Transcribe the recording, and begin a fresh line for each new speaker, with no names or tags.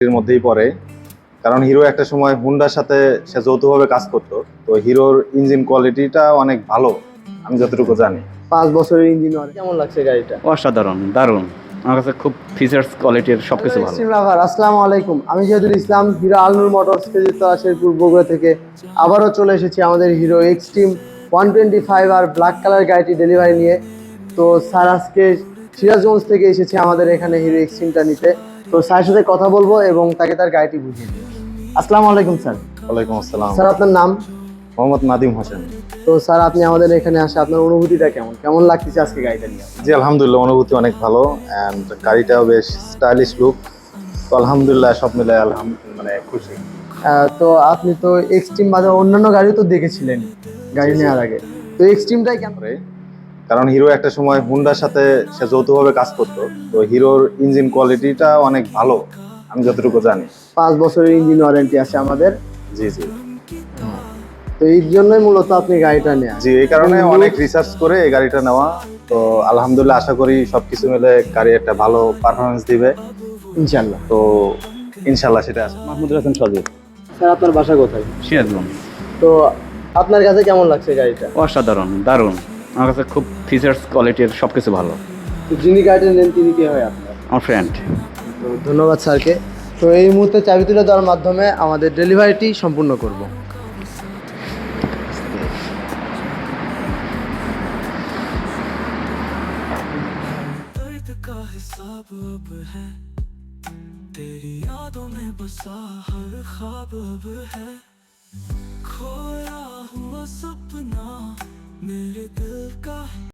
এর মধ্যেই পড়ে, কারণ হিরো একটা সময় হুন্ডার সাথে সে যৌথভাবে কাজ করতো। তো হিরোর ইঞ্জিন কোয়ালিটিটা অনেক ভালো, আমি যতটুকু জানি।
5 বছরের ইঞ্জিন ওয়ারেন্টি। কেমন লাগছে গাড়িটা?
অসাধারণ, দারুণ। আমার কাছে খুব ফিচার্স কোয়ালিটির সবকিছু ভালো।
এক্সট্রিম লাভার, আসসালামু আলাইকুম। আমি জিয়াদুল ইসলাম, হিরো আলনুর মোটরস খেজুরতলা শেরপুর বগুড়া থেকে আবারও চলে এসেছি আমাদের হিরো এক্সট্রিম 125 আর ব্ল্যাক কালার গাড়িটি ডেলিভারি নিয়ে। তো স্যার আজকে সিরাজগঞ্জ থেকে এসেছে আমাদের এখানে হিরো এক্সট্রিমটা নিতে। তো স্যারের সাথে কথা বলবো এবং তাকে তার গাড়িটি বুঝিয়ে দেবো। আসসালামু আলাইকুম স্যার।
ওয়ালাইকুম আসসালাম।
স্যার আপনার নাম?
মোহাম্মদ নাদিম হোসেন।
তো স্যার আপনি আমাদের এখানে আসে আপনার অনুভূতিটা কেমন কেমন লাগতেছে আজকে গাড়িটা নিয়ে?
জি আলহামদুলিল্লাহ, অনুভূতি অনেক ভালো, অ্যান্ড গাড়িটাও বেশ স্টাইলিশ লুক। তো আলহামদুলিল্লাহ সব মিলে মানে খুশি।
তো আপনি তো এক্সট্রিম বাদে অন্যান্য গাড়িও তো দেখেছিলেন গাড়ি
জি, জি।
নেওয়ার আগে, তো এক্সট্রিমটাই কেন?
করে, কারণ হিরো একটা সময় হুন্ডার সাথে সে যৌথভাবে কাজ করতো। তো হিরোর ইঞ্জিন কোয়ালিটিটা অনেক ভালো, আমি যতটুকু জানি।
5 বছরের ইঞ্জিন ওয়ারেন্টি আছে আমাদের।
জি জি
তো এই জন্যই মূলত আপনি গাড়িটা নেন।
জি, এই কারণে অনেক রিসার্চ করে এই গাড়িটা নেওয়া। তো আলহামদুলিল্লাহ আশা করি সবকিছু মিলে গাড়ি একটা ভালো পারফরমেন্স দিবে।
ইনশাল্লাহ।
তো ইনশাল্লাহ সেটা আছে।
মাহমুদুল হাসান সজীব,
স্যার আপনার বাসা কোথায়?
সিরাজগঞ্জ।
তো আপনার কাছে কেমন লাগছে গাড়িটা?
অসাধারণ, দারুণ। আমার কাছে খুব ফিচার্স কোয়ালিটির সবকিছু ভালো।
তো যিনি গাড়িটা নেন তিনি কে হয় আপনার?
আমার ফ্রেন্ড।
তো ধন্যবাদ স্যারকে। তো এই মুহূর্তে চাবি তুলে দেওয়ার মাধ্যমে আমাদের ডেলিভারিটি সম্পূর্ণ করব।
का हिसाब अब है, तेरी यादों में बसा हर ख्वाब अब है, खोया हुआ सपना मेरे दिल का।